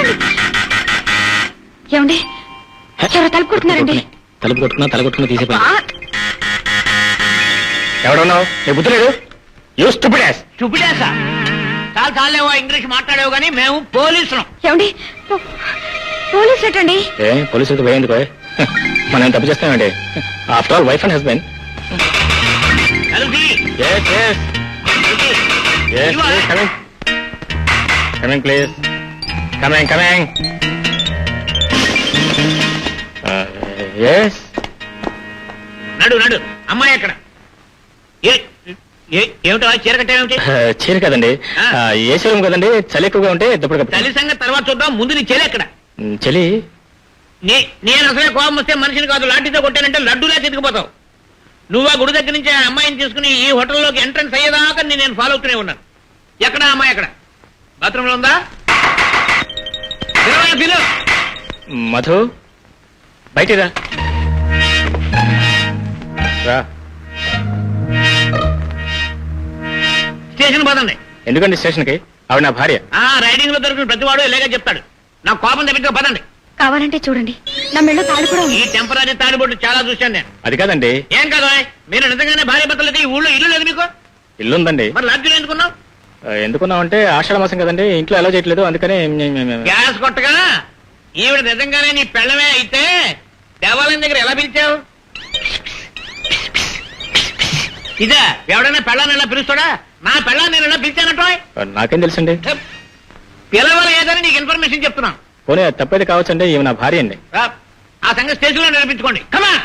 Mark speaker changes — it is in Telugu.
Speaker 1: ఏమండి ఎవరో తలుపు కొడుతున్నారండి.
Speaker 2: తలుపు కొట్టుకున్నా తీసేపోయి ఎవడున్నావు? నీ బుద్ధి లేదు? యూ స్టూపిడ్
Speaker 3: చూపిడేసా చాలా చాలేవో ఇంగ్లీష్ మాట్లాడేవు కానీ మేము పోలీసులం.
Speaker 1: ఏమండి పోలీసు ఏంటండి?
Speaker 2: ఏ పోలీసులతో పోయేందుకు మనం తప్పు చేస్తామండి. After all wife and husband. Coming please. Coming.
Speaker 3: నడు అమ్మాయి ఎక్కడ? ఏమిటో చీర కట్టేమిటి?
Speaker 2: చీర కదండి, ఏ చీరం కదండి, చలి ఎక్కువగా ఉంటే దుప్పటి
Speaker 3: చలి సంగతి తర్వాత చూద్దాం, ముందు నీ చెలి ఎక్కడ?
Speaker 2: చలి
Speaker 3: నేను అసలే కోపం వస్తే మనిషిని కాదు లాఠీతో కొట్టానంటే లడ్డూలా తిరిగిపోతావు. నువ్వు ఆ గుడి దగ్గర నుంచి ఆ అమ్మాయిని తీసుకుని ఈ హోటల్లోకి ఎంట్రన్స్ అయ్యేదాకా నేను ఫాలో అవుతూనే ఉన్నాను. ఎక్కడ అమ్మాయి ఎక్కడ? బాత్రూంలో ఉందా? పిలు.
Speaker 2: మధు బయటిరా.
Speaker 3: స్టేషన్ పదండి.
Speaker 2: ఎందుకండి స్టేషన్కి? ఆవిడ నా భార్య.
Speaker 3: రైడింగ్ లో దొరికిన ప్రతివాడు ఇలాగే చెప్తాడు. నా కోపం తెప్పించక పదండి.
Speaker 1: కావాలంటే చూడండి, నా మెళ్ళో తాడు కూడా ఉంది.
Speaker 3: ఈ టెంపరీ తాడిబొట్టు చాలా చూశాను నేను.
Speaker 2: అది కాదండి.
Speaker 3: ఏం కాదు, మీరు నిజంగానే భార్య భర్తలకి ఈ ఊళ్ళో ఇల్లు లేదు మీకు?
Speaker 2: ఇల్లుందండి.
Speaker 3: మరి లాడ్జీలో ఎందుకున్నావు?
Speaker 2: ఎందుకున్నామంటే ఆషాఢ మాసం కదండి, ఇంట్లో ఎలా చేయట్లేదు, అందుకని
Speaker 3: గ్యాస్ కొట్టగా ఈవిడ నిజంగానే నీ పెళ్ళమే అయితే దేవాలయం దగ్గర ఎలా పిలిచావు? ఇదే ఎవడైనా పెళ్ళాన్ని ఎలా పిలుస్తాడా? నా పెళ్ళాన్ని నేను ఎలా పిలిచానటో
Speaker 2: నాకేం తెలుసండి.
Speaker 3: పిలవాలి ఏదని నీకు ఇన్ఫర్మేషన్ చెప్తున్నాను.
Speaker 2: పోనీ తప్పేది కావచ్చండి, ఈమె నా భార్య అండి.
Speaker 3: ఆ సంగతి స్టేషన్ లో నిరూపించుకోండి. కమా